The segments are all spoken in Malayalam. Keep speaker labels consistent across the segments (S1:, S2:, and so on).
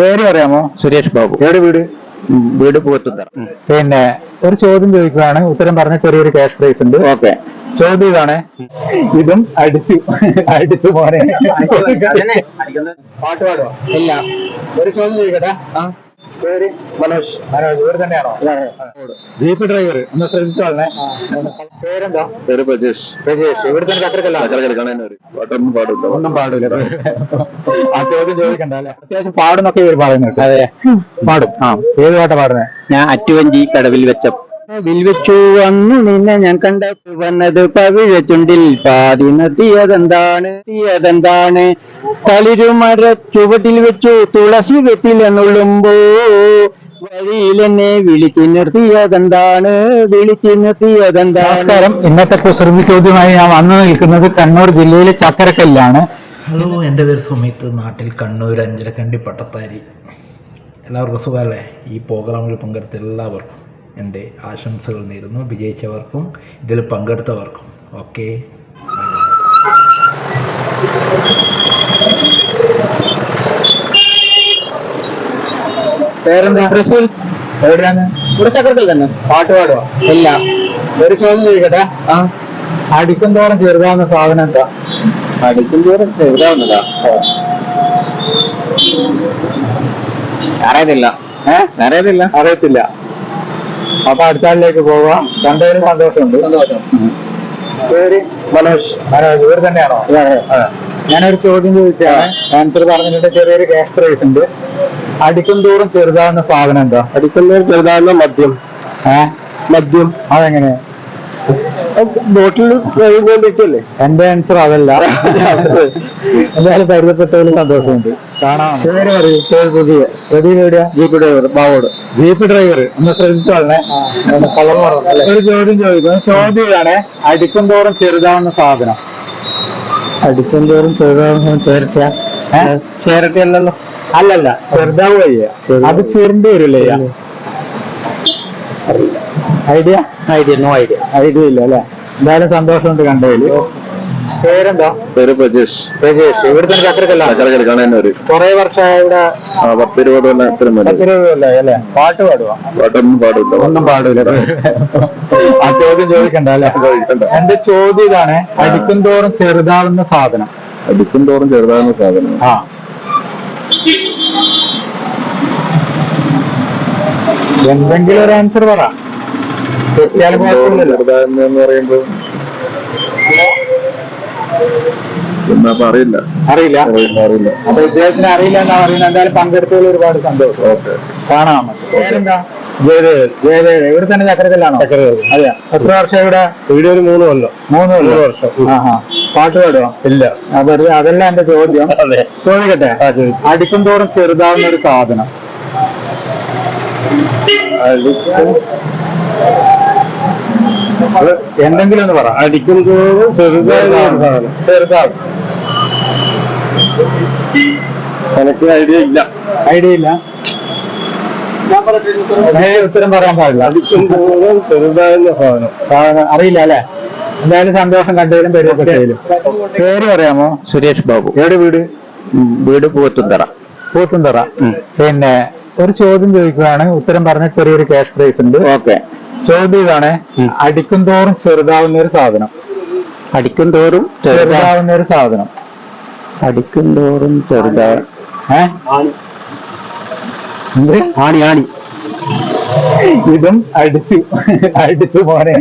S1: പേര് പറയാമോ?
S2: സുരേഷ് ബാബു.
S1: എവിടെ വീട്?
S2: വീട് പൂത്തുത്തറ.
S1: പിന്നെ ഒരു ചോദ്യം ചോദിക്കുകയാണ്, ഉത്തരം പറഞ്ഞ ചെറിയൊരു ക്യാഷ് പ്രൈസ് ഉണ്ട്.
S2: ഓക്കെ.
S1: ചോദ്യം ഇതാണ്, ഇതും അടിച്ചു പോനെ. പാട്ട് പാടുവോ?
S2: ഇല്ല.
S1: ഒരു ചോദ്യം ചോദിക്കട്ടെ. പേര്?
S2: മനോജ്.
S1: ഇവർ തന്നെയാണോ? Jeep driver. ഒന്ന് ശ്രദ്ധിച്ചു പറഞ്ഞേ. പേരെന്താ?
S2: പേര് പ്രജേഷ്.
S1: പ്രജേഷ്. ഇവിടെ തന്നെ ചക്കരക്കല്ല? ഒന്നും പാടില്ല. ആ ചോദ്യം ചോദിക്കണ്ട അല്ലെ? അത്യാവശ്യം പാടുന്നൊക്കെ ഇവർ പറയുന്നുണ്ട്.
S2: അതെ,
S1: പാടും. ഏത് പാട്ടാ പാടുന്നത്?
S2: ഞാൻ അറ്റുവഞ്ചി കടവിൽ വെച്ചു വന്നു നിന്നെ ഞാൻ കണ്ട വന്നത് പവിഴ ചുണ്ടിൽ പാതി നദിയതെന്താണ് തളിരുമര ചുവട്ടിൽ വെച്ചു തുളസി വെത്തിലെന്നുള്ളുമ്പോ വഴിയിലെന്നെ വിളിച്ചു നിർത്തിയതെന്താണ്.
S1: നമസ്കാരം. ഇന്നത്തെ കുസൃതി ചോദ്യമായി ഞാൻ വന്നു നിൽക്കുന്നത് കണ്ണൂർ ജില്ലയിലെ ചക്കരക്കല്ലാണ്.
S3: ഹലോ, എൻ്റെ പേര് സുമിത്ത്. നാട്ടിൽ കണ്ണൂർ അഞ്ചരക്കണ്ടി പട്ടത്താരി. എല്ലാവർക്കും സുഖമല്ലേ? ഈ പ്രോഗ്രാമിൽ പങ്കെടുത്ത എല്ലാവർക്കും എൻ്റെ ആശംസകൾ നേരുന്നു. വിജയിച്ചവർക്കും ഇതിൽ പങ്കെടുത്തവർക്കും ഓക്കെ.
S1: പേരെന്താ? തൃശ്ശൂർ. എവിടെയാണ്?
S2: ഇവിടെ ചക്രത്തിൽ തന്നെ.
S1: പാട്ട് പാടുവോ?
S2: ഇല്ല.
S1: ഒരു ചോദ്യം ചോദിക്കട്ടെ. അടിക്കും തോറും ചെറുതാവുന്ന സാധനം എന്താ?
S2: അടിക്കും തോറും ചെറുതാവുന്നതാ? അറിയത്തില്ല.
S1: അറിയത്തില്ല. അപ്പൊ അടുത്ത ആളിലേക്ക് പോവാ. രണ്ടുപേരും സന്തോഷമുണ്ട്. പേര്?
S2: മനോജ്.
S1: ഇവർ തന്നെയാണോ? ഞാനൊരു ചോദ്യം ചോദിച്ചാണ്, ആൻസർ പറഞ്ഞിട്ട് ചെറിയൊരു ക്യാഷ് പ്രൈസ് ഉണ്ട്. അടിക്കും തോറും ചെറുതാവുന്ന സാധനം എന്താ?
S2: അടിക്കും തോറും ചെറുതാവുന്ന മദ്യം. മദ്യം.
S1: അതെങ്ങനെ?
S2: ബോട്ടിൽ കഴിയുമ്പോഴേക്കല്ലേ?
S1: എന്റെ ആൻസർ അതല്ല. എന്തായാലും പരിചയപ്പെട്ടതിൽ സന്തോഷമുണ്ട്. കാണാം. പേര് പറയൂ. പുതിയ എവിടെയാ?
S2: ജീപ്പ് ഡ്രൈവർ ബാവോട്.
S1: Jeep driver. ഒന്ന് ശ്രദ്ധിച്ചു പറഞ്ഞേ. ഒരു ചോദ്യം ചോദിക്കുന്നു. ചോദ്യം ഇതാണ്, അടിക്കും തോറും ചെറുതാവുന്ന സാധനം.
S2: അടിക്കും തോറും ചെറുതാവുന്ന ചേരട്ടയല്ലല്ലോ?
S1: അല്ലല്ല, ചെറുതാവുക. അത് ചുരുണ്ടി വരില്ലേ? ഐഡിയ?
S2: No idea.
S1: ഐഡിയ ഇല്ല അല്ലെ? എന്തായാലും സന്തോഷമുണ്ട് കണ്ടതില്. പേരെന്താ?
S2: പേര് പ്രജേഷ്.
S1: പ്രജേഷ്. ഇവിടെ തന്നെ ചക്കരക്കല്ല? കുറെ വർഷമായി ഇവിടെ?
S2: 10-20
S1: കൊല്ലം അല്ലെ? പാട്ട് പാടുവാ? ഒന്നും പാടില്ല. ആ ചോദ്യം ചോദിക്കണ്ട അല്ലെ? എന്റെ ചോദ്യം ഇതാണ്, അടിക്കും തോറും ചെറുതാവുന്ന സാധനം.
S2: അടിക്കും തോറും ചെറുതാവുന്ന സാധനം.
S1: എന്തെങ്കിലും ഒരു ആൻസർ പറ. തെറ്റിയാലും കുഴപ്പമില്ലല്ലോ.
S2: എന്ന് പറയുമ്പോ അറിയില്ല.
S1: അപ്പൊ ഇദ്ദേഹത്തിന് അറിയില്ല എന്നാ പറയുന്നത്. എന്തായാലും പങ്കെടുത്തതിൽ ഒരുപാട് സന്തോഷം. കാണാം. പേരെന്താ? ജയദേവ്. ഇവിടെ തന്നെ ചക്കരക്കല്ലാണോ? അതെ. എത്ര വർഷം ഇവിടെ?
S2: ഇവിടെ ഒരു 3 കൊല്ലം.
S1: 3 വർഷം. പാട്ട് പാടുവോ?
S2: ഇല്ല.
S1: വെറുതെ അതല്ല എന്റെ ചോദ്യം. ചോദിക്കട്ടെ. അടിക്കും തോറും ചെറുതാവുന്ന ഒരു സാധനം. എന്തെങ്കിലും ഒന്ന് പറ.
S2: അടിക്കും തോറും ചെറുതാവും. എനിക്ക് ഐഡിയ ഇല്ല.
S1: ഉത്തരം പറയാൻ പാടില്ല.
S2: അടിക്കും തോറും ചെറുതാവുന്ന സാധനം
S1: അറിയില്ല അല്ലെ? എന്തായാലും സന്തോഷം കണ്ടതിലും പരിചയപ്പെട്ടതിലും. പേര് പറയാമോ?
S2: സുരേഷ് ബാബു.
S1: എവിടെ വീട്?
S2: വീട് പൂത്തുത്തറ.
S1: പിന്നെ ഒരു ചോദ്യം ചോദിക്കുകയാണ്, ഉത്തരം പറഞ്ഞ ചെറിയൊരു ക്യാഷ് പ്രൈസ് ഉണ്ട്.
S2: ഓക്കെ.
S1: ചോദ്യം ഇതാണ്, അടിക്കും തോറും ചെറുതാവുന്ന ഒരു സാധനം.
S2: അടിക്കും തോറും
S1: ചെറുതാവുന്ന ഒരു സാധനം.
S2: അടിക്കും തോറും ചെറുതാവും. ആണി.
S1: ഇതും അടിച്ചു പോനെ.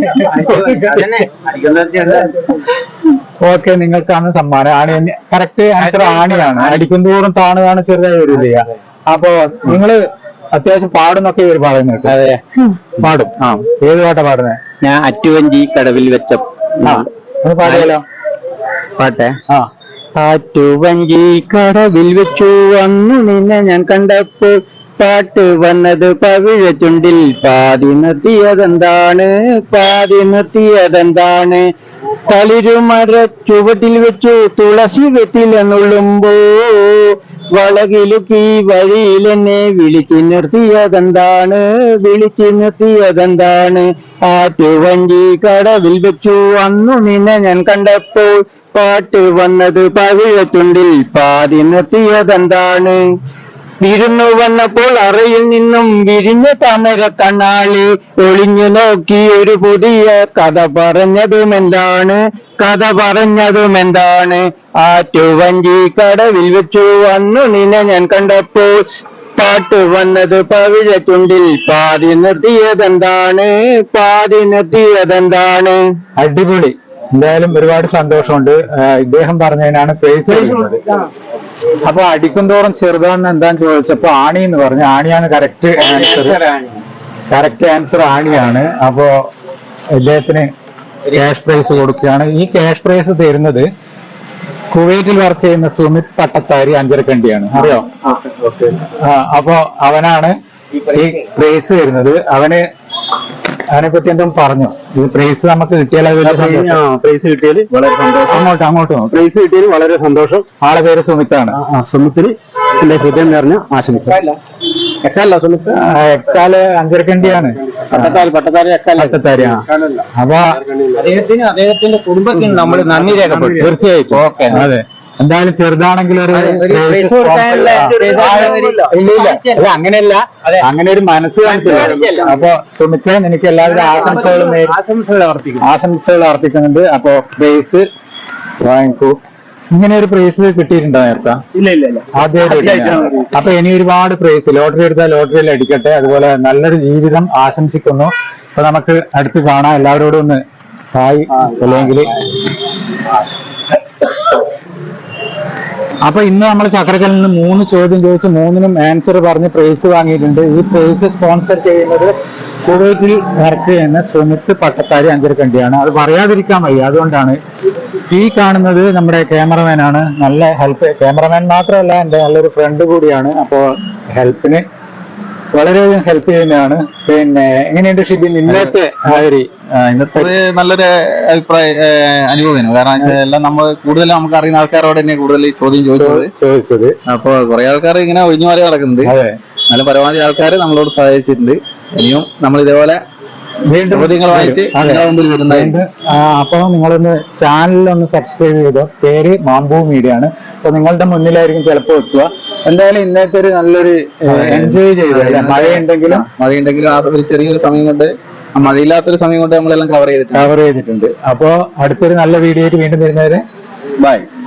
S1: ഓക്കെ, നിങ്ങൾക്കാണ് സമ്മാനം. ആണി. കറക്റ്റ് ആൻസർ ആണിയാണ്. അടിക്കും തോറും താണുതാണ് ചെറുതായി വരില്ല. അപ്പൊ നിങ്ങള് അത്യാവശ്യം പാടുന്നൊക്കെ ഇവർ പറയുന്നുണ്ട്.
S2: അതെ,
S1: പാടും. ഏത് പാട്ടാ പാടുന്നത്?
S2: ഞാൻ അറ്റുവഞ്ചി കടവിൽ വെച്ച
S1: പാടിയാലോ?
S2: പാട്ടെ. ആറ്റുവഞ്ചി കടവിൽ വെച്ചു വന്നു നിന്നെ ഞാൻ കണ്ടപ്പോൾ പാട്ട് വന്നത് പവിഴ ചുണ്ടിൽ പാതി നിർത്തിയതെന്താണ് തളിരുമര ചുവട്ടിൽ വെച്ചു തുളസി വെത്തിലെന്നുള്ളുമ്പോ വളകിലുക്കി വഴിയിലെന്നെ വിളിച്ചു നിർത്തിയതെന്താണ് ആറ്റുവഞ്ചി കടവിൽ വെച്ചു അന്നു നിന്നെ ഞാൻ കണ്ടപ്പോൾ പാട്ട് വന്നത് പവിഴ ചുണ്ടിൽ പാതി നിർത്തിയതെന്താണ്. വിരുന്നു വന്നപ്പോൾ അറയിൽ നിന്നും വിരിഞ്ഞ താമര കണ്ണാളി ഒളിഞ്ഞു നോക്കി ഒരു പുതിയ കഥ പറഞ്ഞതുമെന്താണ് ആറ്റുവഞ്ചി കടവിൽ വെച്ചു വന്നു നിന്നെ ഞാൻ കണ്ടപ്പോൾ പാട്ട് വന്നത് പവിഴത്തുണ്ടിൽ പാതി നിർത്തിയതെന്താണ്
S1: അടിപൊളി. എന്തായാലും ഒരുപാട് സന്തോഷമുണ്ട്. ഇദ്ദേഹം പറഞ്ഞതിനാണ് പ്രൈസ് കൊടുക്കുന്നത്. അപ്പൊ അടിക്കുന്തോറും ചെറുതാണെന്ന് എന്താന്ന് ചോദിച്ചപ്പോ ആണി എന്ന് പറഞ്ഞു. ആണിയാണ് കറക്റ്റ് ആൻസർ ആണിയാണ്. അപ്പോ ഇദ്ദേഹത്തിന് ക്യാഷ് പ്രൈസ് കൊടുക്കുകയാണ്. ഈ ക്യാഷ് പ്രൈസ് തരുന്നത് കുവൈറ്റിൽ വർക്ക് ചെയ്യുന്ന സുമിത് പട്ടത്താരി അഞ്ചരക്കണ്ടിയാണ്. അറിയോ? അപ്പോ അവനാണ് ഈ പ്രൈസ് തരുന്നത്. അവനെ പറ്റി എന്തും പറഞ്ഞു. ഈ പ്രൈസ് നമുക്ക് കിട്ടിയാൽ
S2: പ്രൈസ് കിട്ടിയാൽ വളരെ സന്തോഷം.
S1: അങ്ങോട്ടും
S2: പ്രൈസ് കിട്ടിയാൽ വളരെ സന്തോഷം.
S1: ആളെ പേര് സുമിത്താണ്.
S2: സുമിത്തിന് എന്റെ ഹൃദയം നിറഞ്ഞ ആശംസ. സുമിത്ത്
S1: എക്കാല് അഞ്ചരക്കണ്ടിയാണ്. പട്ടത്താരി. അപ്പൊ
S2: അദ്ദേഹത്തിന്റെ കുടുംബത്തിന് നമ്മൾ നന്ദി രേഖപ്പെടുത്തും.
S1: തീർച്ചയായിട്ടും. ഓക്കെ. അതെ. എന്തായാലും ചെറുതാണെങ്കിലും ഒരു ഇല്ല അങ്ങനെയല്ല, അങ്ങനെ ഒരു മനസ്സ് കാണിച്ചില്ല. അപ്പൊ സുമിത്ത് എനിക്ക് എല്ലാവരും ആശംസകൾ അർപ്പിക്കുന്നുണ്ട്. അപ്പൊ പ്രൈസ് വാങ്ങിക്കൂ. ഇങ്ങനെ ഒരു പ്രൈസ് കിട്ടിയിട്ടുണ്ടോ നേരത്തെ?
S2: ഇല്ല.
S1: ആദ്യമായിട്ട്. അപ്പൊ ഇനി ഒരുപാട് പ്രൈസ് ലോട്ടറി എടുത്താൽ ലോട്ടറിയിൽ അടിക്കട്ടെ. അതുപോലെ നല്ലൊരു ജീവിതം ആശംസിക്കുന്നു. അപ്പൊ നമുക്ക് അടുത്ത് കാണാം. എല്ലാവരോടും ഒന്ന് ഹായ്. അല്ലെങ്കിൽ അപ്പൊ ഇന്ന് നമ്മൾ ചക്രക്കലിൽ നിന്ന് 3 ചോദ്യം ചോദിച്ച് 3നും ആൻസർ പറഞ്ഞ് പ്രൈസ് വാങ്ങിയിട്ടുണ്ട്. ഈ പ്രൈസ് സ്പോൺസർ ചെയ്യുന്നത് കുവൈറ്റിൽ വർക്ക് ചെയ്യുന്ന സുമിത്ത് പട്ടത്താരി അഞ്ചരക്കണ്ടിയാണ്. അത് പറയാതിരിക്കാൻ വയ്യ. അതുകൊണ്ടാണ്. ഈ കാണുന്നത് നമ്മുടെ ക്യാമറമാനാണ്. നല്ല ക്യാമറമാൻ മാത്രമല്ല, എൻ്റെ നല്ലൊരു ഫ്രണ്ട് കൂടിയാണ്. അപ്പോ ഹെൽപ്പിന് വളരെയധികം ഹെൽപ്പ് ചെയ്യുന്നതാണ്. പിന്നെ എങ്ങനെയുണ്ട് ഷിബിൻ ഇന്നത്തെ
S4: നല്ലൊരു അനുഭവമാണ്. കാരണം എല്ലാം നമ്മൾ കൂടുതലും നമുക്ക് അറിയുന്ന ആൾക്കാരോട് തന്നെ കൂടുതൽ ചോദ്യം ചോദിച്ചത്. അപ്പൊ കുറെ ആൾക്കാർ ഇങ്ങനെ ഒഴിഞ്ഞു മാറി നടക്കുന്നുണ്ട്. നല്ല പരമാവധി ആൾക്കാർ നമ്മളോട് സഹായിച്ചിട്ടുണ്ട്. ഇനിയും നമ്മൾ ഇതേപോലെ ചോദ്യങ്ങളുമായിട്ട് മുമ്പിൽ വരുന്നതായിട്ട്.
S1: അപ്പൊ നിങ്ങളൊന്ന് ചാനലിലൊന്ന് സബ്സ്ക്രൈബ് ചെയ്തോ. പേര് മാംബു മീഡിയ ആണ്. അപ്പൊ നിങ്ങളുടെ മുന്നിലായിരിക്കും ചിലപ്പോൾ എത്തുക. എന്തായാലും ഇന്നത്തെ ഒരു നല്ലൊരു എൻജോയ് ചെയ്തു. മഴയുണ്ടെങ്കിലും
S4: ആ ഒരു ചെറിയൊരു സമയം കൊണ്ട്, മഴയില്ലാത്തൊരു സമയം കൊണ്ട് നമ്മളെല്ലാം കവർ ചെയ്തിട്ടുണ്ട്.
S1: അപ്പോ അടുത്തൊരു നല്ല വീഡിയോ ആയിട്ട് വീണ്ടും വരുന്നവരെ
S4: ബൈ.